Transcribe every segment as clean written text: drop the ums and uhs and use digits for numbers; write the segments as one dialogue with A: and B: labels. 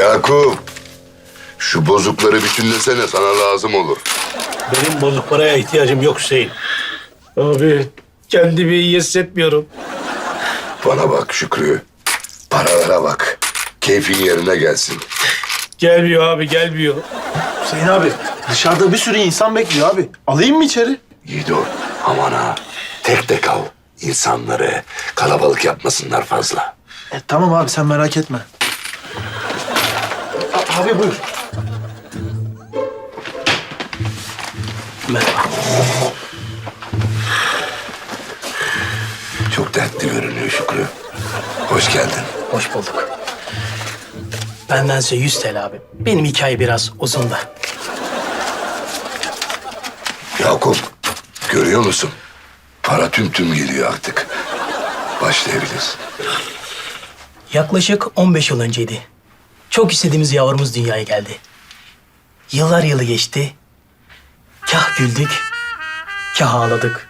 A: Yakup, şu bozukları bütünlesene, sana lazım olur.
B: Benim bozuk paraya ihtiyacım yok Hüseyin. Abi kendimi iyi hissetmiyorum.
A: Bana bak Şükrü, paralara bak. Keyfin yerine gelsin.
B: Gelmiyor abi gelmiyor.
C: Hüseyin abi dışarıda bir sürü insan bekliyor abi. Alayım mı içeri?
A: Yiğido, aman ha. Tek tek al. İnsanları kalabalık yapmasınlar fazla.
C: Tamam abi sen merak etme. Abi buyur.
B: Merhaba.
A: Çok dertli görünüyor Şükrü. Hoş geldin.
D: Hoş bulduk. Benden size 100 TL abi. Benim hikaye biraz uzun da.
A: Yakup, görüyor musun? Para tüm geliyor artık. Başlayabiliriz.
D: Yaklaşık 15 yıl önceydi. Çok istediğimiz yavrumuz dünyaya geldi. Yıllar yılı geçti. Kah güldük, kah ağladık.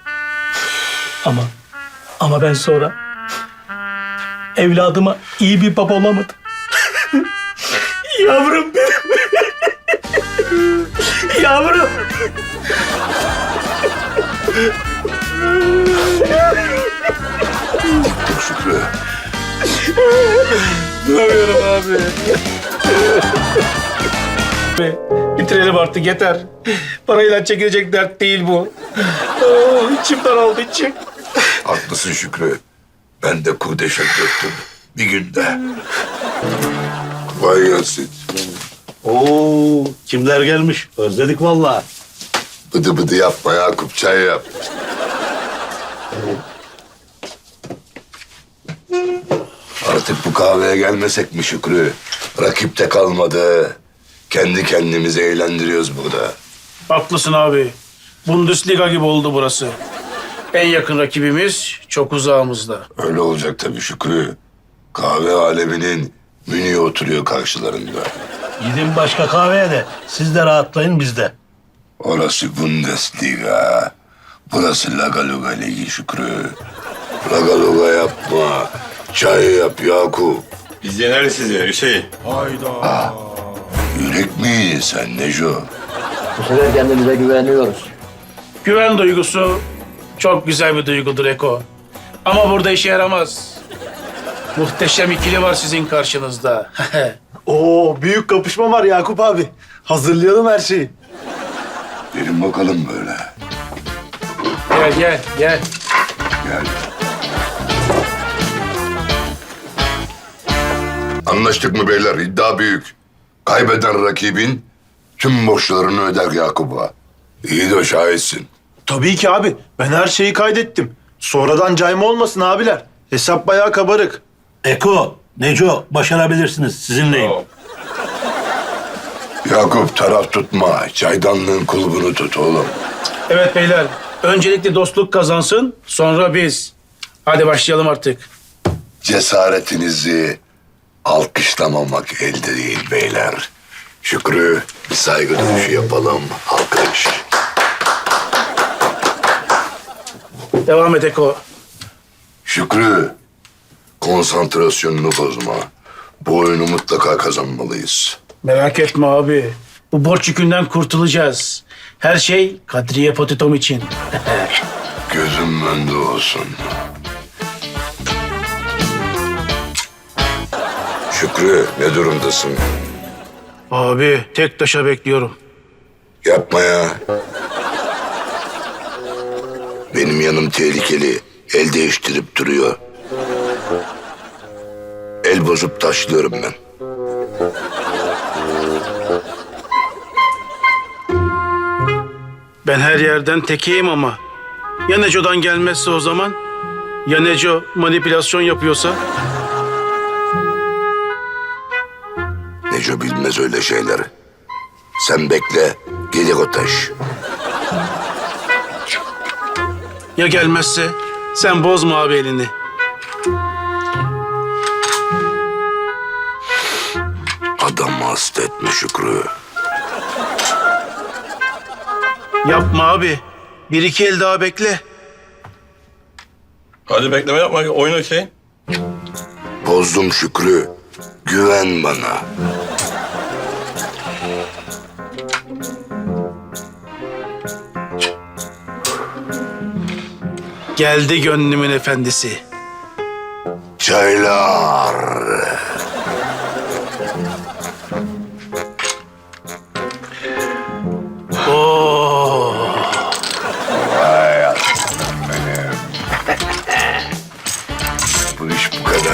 D: Ama ben sonra evladıma iyi bir baba olamadım. Yavrum benim. Yavrum.
A: Dur Şükrü.
B: Duramıyorum abi. Bitirelim artık yeter. Parayla çekilecek dert değil bu. İçim daraldı içim.
A: Haklısın Şükrü. Ben de kurdeşe döktüm. Bir günde. Kolay gelsin.
B: Oo, kimler gelmiş? Özledik vallahi.
A: Bıdı bıdı yapma Yakup, çay yap. Artık bu kahveye gelmesek mi Şükrü? Rakip de kalmadı. Kendi kendimizi eğlendiriyoruz burada.
E: Haklısın abi. Bundesliga gibi oldu burası. En yakın rakibimiz çok uzağımızda.
A: Öyle olacak tabii Şükrü. Kahve aleminin Münih'e oturuyor karşılarında.
B: Gidin başka kahveye de siz de rahatlayın biz de.
A: Orası Bundesliga. Burası Laga Luga Ligi Şükrü. Laga Luga yapma. Çay yap Yakup.
F: Biz yeneriz sizi Hüseyin.
A: Yürek mi yedin sen Neco?
G: Bu sefer kendimize güveniyoruz.
E: Güven duygusu çok güzel bir duygudur Eko. Ama burada işe yaramaz. Muhteşem ikili var sizin karşınızda.
C: Oo büyük kapışma var Yakup abi. Hazırlayalım her şeyi.
A: Gelin bakalım böyle.
E: Gel.
A: Gel. Anlaştık mı beyler? İddia büyük. Kaybeden rakibin tüm borçlarını öder Yakup'a. İyi de şahitsin.
C: Tabii ki abi. Ben her şeyi kaydettim. Sonradan cayma olmasın abiler. Hesap bayağı kabarık.
B: Eko, Neco başarabilirsiniz. Sizinleyim.
A: Yakup taraf tutma. Çaydanlığın kulbunu tut oğlum.
E: Evet beyler. Öncelikle dostluk kazansın, sonra biz. Hadi başlayalım artık.
A: Cesaretinizi alkışlamamak elde değil beyler. Şükrü, bir saygı duruşu yapalım. Alkış.
E: Devam et Eko.
A: Şükrü, konsantrasyonunu bozma. Bu oyunu mutlaka kazanmalıyız.
E: Merak etme abi. Bu borç yükünden kurtulacağız. Her şey Kadriye Potitom için.
A: Gözüm önünde olsun. Şükrü, ne durumdasın?
E: Abi tek taşa bekliyorum.
A: Yapma ya. Benim yanım tehlikeli. El değiştirip duruyor. El bozup taşlıyorum ben.
E: Ben her yerden tekeyim ama. Ya Neco'dan gelmezse o zaman? Ya Neco manipülasyon yapıyorsa?
A: Neco bilmez öyle şeyleri. Sen bekle, gelir o taş.
E: Ya gelmezse? Sen bozma abi elini.
A: Adamı hasta etme Şükrü.
E: Yapma abi. Bir iki el daha bekle.
F: Hadi bekleme yapma. Oyna Hüseyin.
A: Bozdum Şükrü. Güven bana.
E: Geldi gönlümün efendisi.
A: Çaylar.
E: Oo.
A: Vay aslanım benim. Bu iş bu kadar.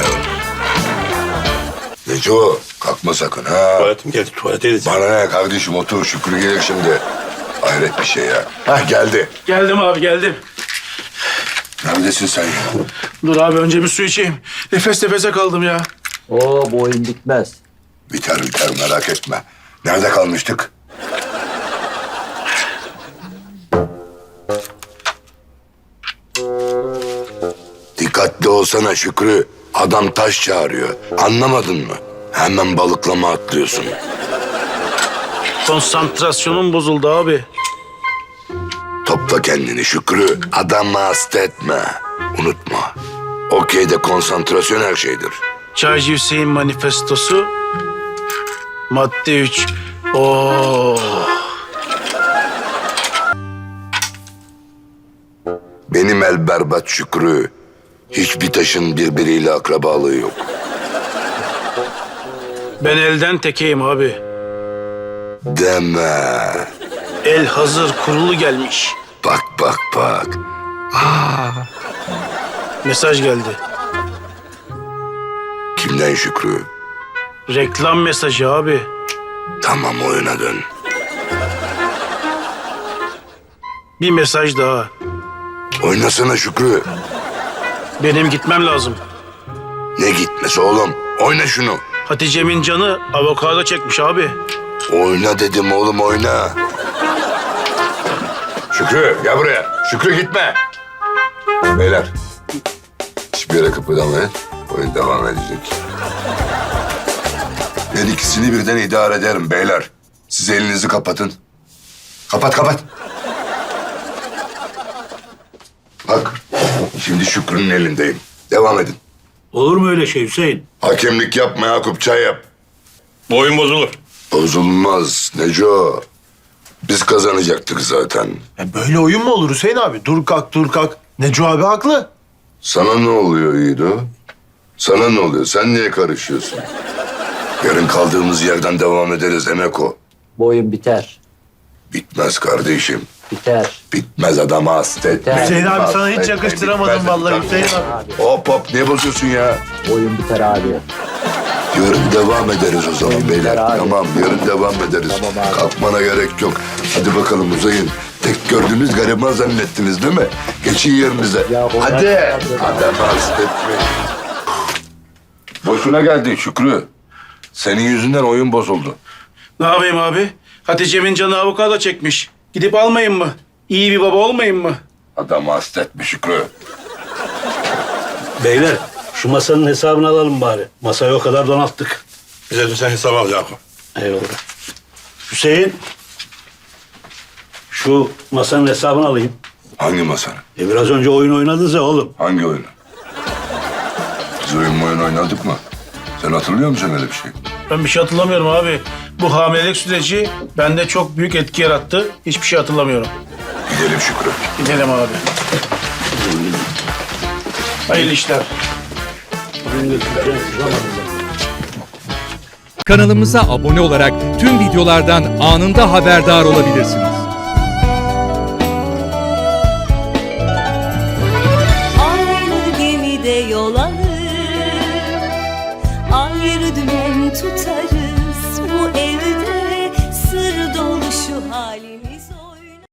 A: Neco kalkma sakın ha.
F: Tuvaletim geldi. Tuvalete gideceğim.
A: Bana ne kardeşim otur Şükrü gelir şimdi. Hayret bir şey ya. Hah geldi.
E: Geldim abi geldim.
A: Neredesin sen ya?
E: Dur abi önce bir su içeyim. Nefes nefese kaldım ya.
G: Oo bu oyun bitmez.
A: Biter biter merak etme. Nerede kalmıştık? Dikkatli olsana Şükrü. Adam taş çağırıyor. Anlamadın mı? Hemen balıklama atlıyorsun.
E: Konsantrasyonum bozuldu abi.
A: Topla kendini Şükrü. Adamı hasta etme. Unutma. Okeyde konsantrasyon her şeydir.
E: Çaycı Hüseyin manifestosu. Madde 3. Oo.
A: Benim el berbat Şükrü. Hiçbir taşın birbiriyle akrabalığı yok.
E: Ben elden tekeyim abi.
A: Deme.
E: El hazır kurulu gelmiş.
A: Bak bak bak.
E: Mesaj geldi.
A: Kimden Şükrü?
E: Reklam mesajı abi.
A: Tamam oyuna dön.
E: Bir mesaj daha.
A: Oynasana Şükrü.
E: Benim gitmem lazım.
A: Ne gitmesi oğlum? Oyna şunu.
E: Hatice'min canı avokado çekmiş abi.
A: Oyna dedim oğlum oyna. Şükrü gel buraya. Şükrü gitme. Beyler. Hiçbir yere kıpırdamayın. Oyun devam edecek. Ben ikisini birden idare ederim beyler. Siz elinizi kapatın. Kapat kapat. Bak. Şimdi Şükrü'nün elindeyim. Devam edin.
H: Olur mu öyle şey Hüseyin?
A: Hakemlik yapma Yakup çay yap.
F: Bu oyun bozulur.
A: Bozulmaz Neco. Biz kazanacaktık zaten.
C: Böyle oyun mu olur Hüseyin abi? Dur kalk dur kalk. Neco abi haklı.
A: Sana ne oluyor İdo? Sana ne oluyor? Sen niye karışıyorsun? Yarın kaldığımız yerden devam ederiz Emeko.
G: Bu oyun biter.
A: Bitmez kardeşim.
G: Biter.
A: Bitmez adama hasta etme.
C: Hüseyin abi
A: Hasta
C: sana hiç
A: etme,
C: yakıştıramadım
A: bitmez,
C: vallahi
A: bitmez.
C: Hüseyin abi.
A: Hop hop ne bozuyorsun ya?
G: Bu oyun biter abi.
A: Yarın devam ederiz o zaman beyler.
G: abi.
A: Tamam yarın devam ederiz.
G: Tamam abi.
A: Kalkmana gerek yok. Hadi bakalım uzayın. Tek gördüğünüz gariban zannettiniz değil mi? Geçin yerinize.
G: Ya, onlar
A: Hadi.
G: kazandı.
A: Adamı hasta etmeyin. Boşuna geldin Şükrü. Senin yüzünden oyun bozuldu.
E: Ne yapayım abi? Hatice'min canı avokado çekmiş. Gidip almayayım mı? İyi bir baba olmayayım mı?
A: Adamı hasta etme Şükrü.
H: Beyler şu masanın hesabını alalım bari. Masayı o kadar donattık.
F: Bize de sen hesap al Yakup.
H: Eyvallah. Hüseyin. Şu masanın hesabını alayım.
A: Hangi masanı?
H: Biraz önce oyun oynadınız ya oğlum.
A: Hangi oyunu? Biz oyun oynadık mı? Sen hatırlıyor musun öyle bir şey?
E: Ben bir şey hatırlamıyorum abi. Bu hamilelik süreci bende çok büyük etki yarattı. Hiçbir şey hatırlamıyorum.
A: Gidelim Şükrü.
E: Gidelim abi. Hayırlı işler.
I: Kanalımıza abone olarak tüm videolardan anında haberdar olabilirsiniz.
J: Aynı gemide yol alır, ayrı dümen tutar.